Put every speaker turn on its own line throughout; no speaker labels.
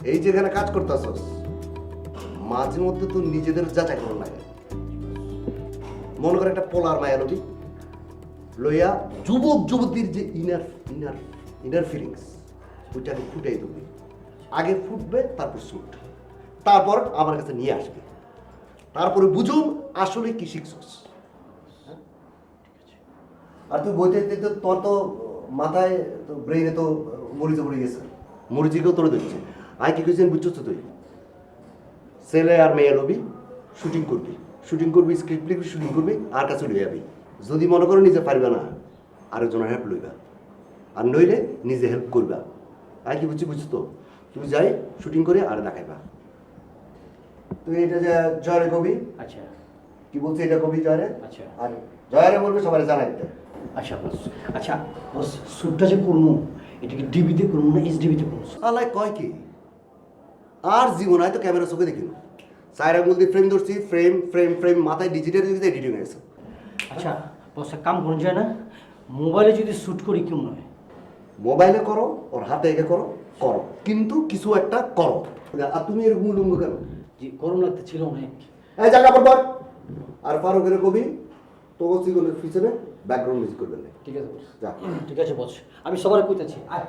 এই যেখানে কাজ করতেছস মাঝে মধ্যে তো নিজেদের যাচাই করার লাগে। মনে করে একটা পোলার মায়া লবি লইয়া যুবক যুবতীর যে ইনার ইনার ইনার ফিলিংস ওইটাকে ফুটাই দেবে। আগে ফুটবে তারপর শুট, তারপর আমার কাছে নিয়ে আসবে, তারপরে বুঝুম আসলে কি শিখছস। আর তুই বইতে তো তোর তো মাথায় তো ব্রেইনে তো মরিচে পড়ে গেছে, মরিচিকেও তোরে দিচ্ছে। আয় কি কিছু বুঝছস তো তুই ছেলে আর মেয়ে লবি শুটিং করবি, স্ক্রিপ্ট লিখবি, শুটিং করবি, আর কাছে লই যাবি। যদি মনে করো নিজে পারবে না আরেকজনের হেল্প লইবা, আর নইলে নিজে হেল্প করবা। আর কি বুঝছি তো তুই যাই শুটিং করে আর দেখাইবা। তুই এটা যে জয়রে কবি,
আচ্ছা
কি বলছি এটা কবি জয়রে,
আচ্ছা
আর জয়রে বলবে সবাই জানাই দিতে।
আচ্ছা বস, আচ্ছা বস, শ্যুটটা যে করবো এটা কি ডিবিতে করবো না এইচডিবিতে করবো?
আলাই কয় কি আর জীবন হয়তো ক্যামেরা চোখে দেখিল সাইরা বলতে ফ্রেম ধরছি, ফ্রেম ফ্রেম ফ্রেম মাথায় ডিজিটাল এডিটিং হয়েছে।
আচ্ছা বস, এক কাম করুন যায় না, মোবাইলে যদি শ্যুট করি কেমন হয়?
মোবাইলে করো, ওর হাতে এঁকে করো, করো, কিন্তু কিছু একটা করো। আর তুমি এরকম উলঙ্গ কেন?
যে গরম লাগতে ছিল অনেক।
এই জায়গা পর আর ফারুকের কবি তো সিগনের পিছনে ব্যাকগ্রাউন্ড মিউজিক করবেন না।
ঠিক আছে বস,
যা।
ঠিক আছে বস, আমি সবার কইতেছি। আয়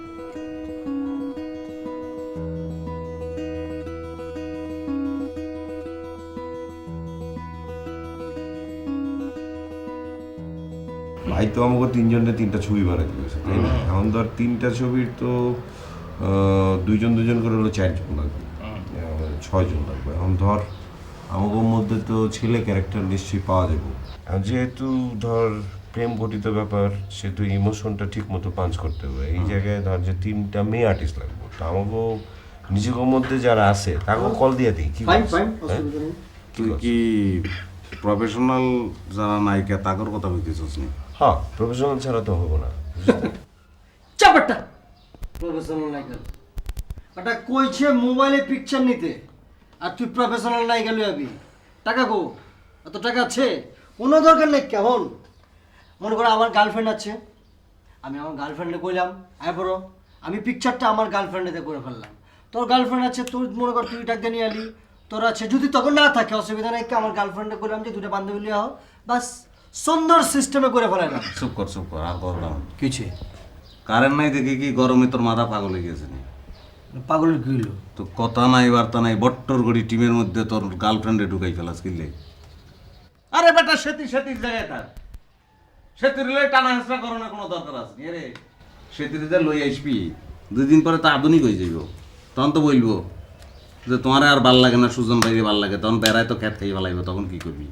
ভাই তো আমাকে তিনজনের তিনটা ছবি বানাতে গেছে, তাই না? এখন ধর তিনটা ছবির তো দুইজন দুজন করে হলো 4 জন লাগবে, 6 জন লাগবে। এখন ধর আমাকে মধ্যে তো ছেলে ক্যারেক্টার নিশ্চয়ই পাওয়া যাবে। এখন যেহেতু ধর প্রেম গঠিত ব্যাপার, সেহেতু ইমোশনটা ঠিক মতো পাঞ্চ করতে হবে। এই জায়গায় ধর যে 3টা মেয়ে আর্টিস্ট লাগবে, তো আমাকে নিজেদের মধ্যে যারা আছে তাকে কল দিয়ে দিই। কি
ফাইন
বলিস?
ফাইন,
হ্যাঁ?
অসুবিধা নেই।
তুই কি প্রফেশনাল যারা নায়িকা তাগর কথা বলতেছিস নি?
হ্যাঁ, প্রফেশনাল ছাড়া তো হবো না।
চাপাটা প্রফেশনাল নায়িকা ওটা কইছে মোবাইলে পিকচার নিতে, আর তুই প্রফেশনাল নায়িকা লই আবি? টাকা গো, এত টাকা আছে? কোনো দরকার নেই। কেমন মনে করো আমার গার্লফ্রেন্ড আছে, আমি আমার গার্লফ্রেন্ডে কইলাম আয় বড়, আমি পিকচারটা আমার গার্লফ্রেন্ডেতে করে ফেললাম। তোর গার্লফ্রেন্ড আছে, তুই মনে কর তুই টাকা নিয়ে আলি, তোর আছে, যদি তখন না থাকে অসুবিধা নেই, আমার গার্লফ্রেন্ডে করলাম যে দুটো বান্ধবী লিয়ে হও, বাস সুন্দর সিস্টেমে করে ফেলাইলাম।
চুপ কর আর করলাম।
কিছু
কারেন্ট নাই দেখে কি গরমে তোর মাথা পাগল হয়ে গেছে নি?
পাগলের কি হইলো?
তো কথা নাই বার্তা নাই, বট্টর গড়ি টিমের মধ্যে তোর গার্লফ্রেন্ডে ঢুকাই ফেলাস কিনলে। আরে বেটা সেতির জায়গায় থাক, সেতির লই টানা হেসরা করানোর কোনো দরকার আছে নি রে? সেতির যা লই আসবি 2 দিন পরে তো আধুনিক হয়ে যাইব, তখন তো বলবো যে তোমার আর ভাল লাগে না, সুজন ভাইরে ভাল লাগে, তখন বেড়ায় তো খ্যাত খাই ফেলাইব, তখন কি করবি?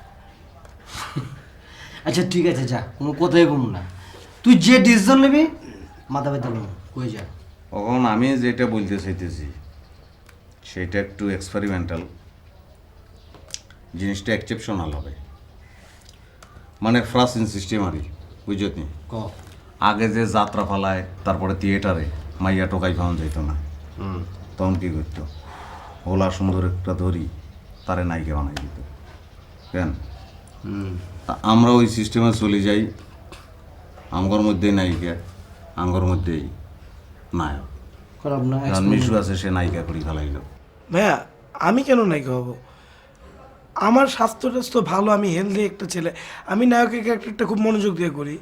আচ্ছা ঠিক আছে, যা, কোনো কথাই কম না। তুই যে ডিসিশন নিবি মাথা ব্যথা নেব, কই যা।
এখন আমি যেটা বলতে চাইতেছি সেটা একটু এক্সপেরিমেন্টাল, জিনিসটা এক্সেপশনাল হবে, মানে ফার্স্ট ইন সিস্টেম আরই, বুঝলি?
ক
আগে যে যাত্রা পালায় তারপরে থিয়েটারে মাইয়া টোকাই পাওয়া যেত না, তখন কী করতো? ওলা সুন্দর একটা ধরি তারে নায়িকা বানাই দিত। কেন? তা আমরা ওই সিস্টেমে চলে যাই, আমগর মধ্যেই নায়িকা, আমগর মধ্যেই নায়ক।
খারাপ না,
কারণ মিশু আছে, সে নায়িকা করি ফেলাইল।
ভাইয়া আমি কেন নায়িকা হব? আমার স্বাস্থ্য টাস্থ্য ভালো, আমি হেলদি একটা ছেলে, আমি নায়কের ক্যারেক্টারটা খুব মনোযোগ দিয়ে করি।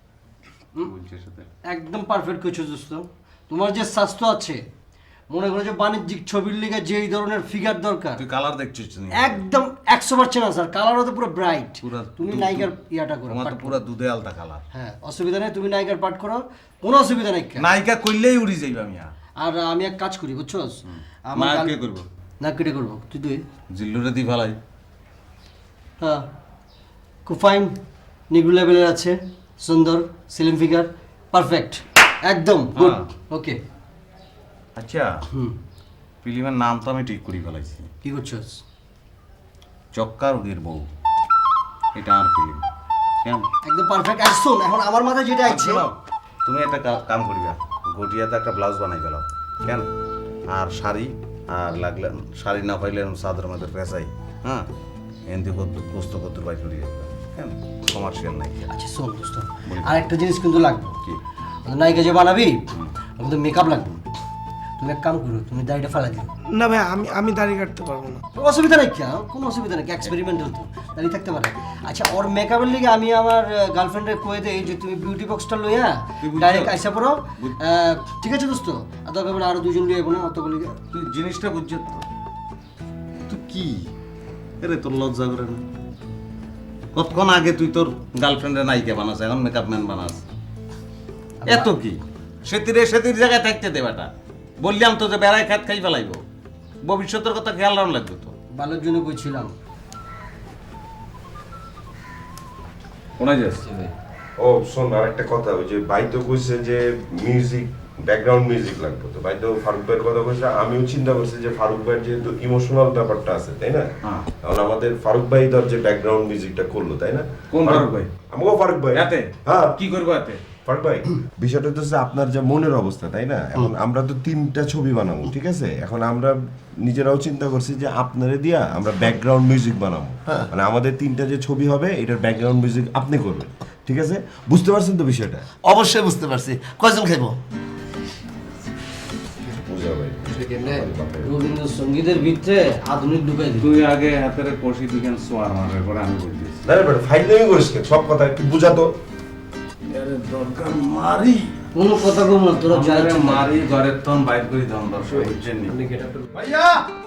একদম পারফেক্ট কিছু দোস্ত। তোমার যে স্বাস্থ্য আছে, মনে করো যে বাণিজ্যিক ছবির লিগে যেই ধরনের ফিগার দরকার,
তুই কালার দেখছিস না?
একদম 100% আছে। আর কালারও তো পুরো ব্রাইট।
পুরা
তুমি নায়িকার ইয়াটা করো,
তোমার তো
পাঠ করো।
পুরা দুধে আলতা কালার।
হ্যাঁ, অসুবিধা নেই, তুমি নায়িকার পাঠ করো, কোনো অসুবিধা নেই।
নায়িকা করলেই উড়ি যাইব আমি।
আর আমি এক কাজ করি, বুঝছস?
নায়ক কে করবো?
না কেটে করবো, তুই
জিল্লুরে দি ফেলাই।
হ্যাঁ, খুব ফাইন, নিগ্রো লেভেলের আছে, সুন্দর স্লিম ফিগার, পারফেক্ট, একদম গুড। ওকে,
আচ্ছা, ফিল্মের নাম তো আমি ঠিক করে ফেলাইছি,
কি করছস?
চক্কা রোগীর বউ, এটা আর ফিল্ম। কেন?
একদম পারফেক্ট। আর শোন, এখন আমার মাথায় যেটা আছে,
তুমি একটা কাম করিবা, গটিয়াতে একটা ব্লাউজ বানাই ফেলাও। কেন? আর শাড়ি, আর লাগলে শাড়ি না পাইলে চাদর মধ্যে পেঁচাই, হ্যাঁ, এনদি কষ্ট করতে বাইর করে যাবে। কেন? কমার্শিয়াল নাই।
আচ্ছা শোন দোস্ত, আর একটা জিনিস কিন্তু লাগবে।
কি?
নায়িকা যে বানাবি, আমাদের মেকআপ লাগবে। তুমি এক কাম করো, তুমি দাড়িটা ফালা দিও।
না ভাই, আমি দাড়ি কাটতে পারবো না।
অসুবিধা নেই, কি কোনো অসুবিধা নেই, এক্সপেরিমেন্টাল তো দাঁড়িয়ে থাকতে পারে। আচ্ছা, ওর মেকআপের লিগে আমি আমার গার্লফ্রেন্ডে কয়ে দেই যে তুমি বিউটি বক্সটা লইয়া
তুই বুঝছো?
ডাইরেক্ট আইসা পড়ো। ঠিক আছে দোস্ত, আর দরকার পড়লে আরো দুজন লিয়ে না অতগুলি।
তুই জিনিসটা বুঝছ তো? তুই কি এরে তোর লজ্জা করে না? কতক্ষণ আগে তুই তোর গার্লফ্রেন্ডের নায়িকা বানাস, এখন মেকআপ ম্যান বানাস। এত কি সেতির জায়গায় থাকতে দে বেটা। বললাম তো যে বেড়ায় খাত খাই ফেলাইব, ভবিষ্যতের কথা খেয়াল রাখা লাগবে তো।
ভালোর জন্য কইছিলাম।
শোনা যাচ্ছে
ও শোন, আর একটা কথা, ওই যে ভাই তো কইছে যে মিউজিক, ব্যাকগ্রাউন্ড মিউজিক লাগবে, তো ভাই তো ফারুক ভাইয়ের কথা কইছে। আমিও চিন্তা করছি যে ফারুক ভাইয়ের যেহেতু ইমোশনাল ব্যাপারটা আছে, তাই না?
হ্যাঁ।
এখন আমাদের ফারুক ভাই ধর যে ব্যাকগ্রাউন্ড মিউজিকটা করলো, তাই না?
কোন ফারুক ভাই?
আমাকেও ফারুক ভাই।
এতে
হ্যাঁ,
কি করবো এতে?
ফারুক ভাই, বিষয়টা তো হচ্ছে আপনার যে মনের অবস্থা, তাই না? এখন আমরা তো 3টা ছবি বানাবো, ঠিক আছে? এখন আমরা নিজেরাও চিন্তা করছি যে আপনারে দিয়া আমরা ব্যাকগ্রাউন্ড মিউজিক বানাবো, মানে আমাদের 3টা যে ছবি হবে এটার ব্যাকগ্রাউন্ড মিউজিক আপনি করবেন, ঠিক আছে? বুঝতে পারছেন তো বিষয়টা?
অবশ্যই বুঝতে পারছি। কয়জন খাইবো?
বুঝা ভাই।
রবীন্দ্রসঙ্গীতের ভিতরে আধুনিক ঢুকাই দিই।
তুই আগে হাতের কষি দিকেন সোয়ার মারার পরে আমি বলছিস
না রে বেটা, ফাইজলামি করিস কেন? সব কথা একটু বুঝাতো।
দরকার মারি
কোনো কথা কম না, তোরা যাই
মারি ঘরের তন বাইর করি তখন দর্শক বুঝছেন নি।
আপনি get up
ভাইয়া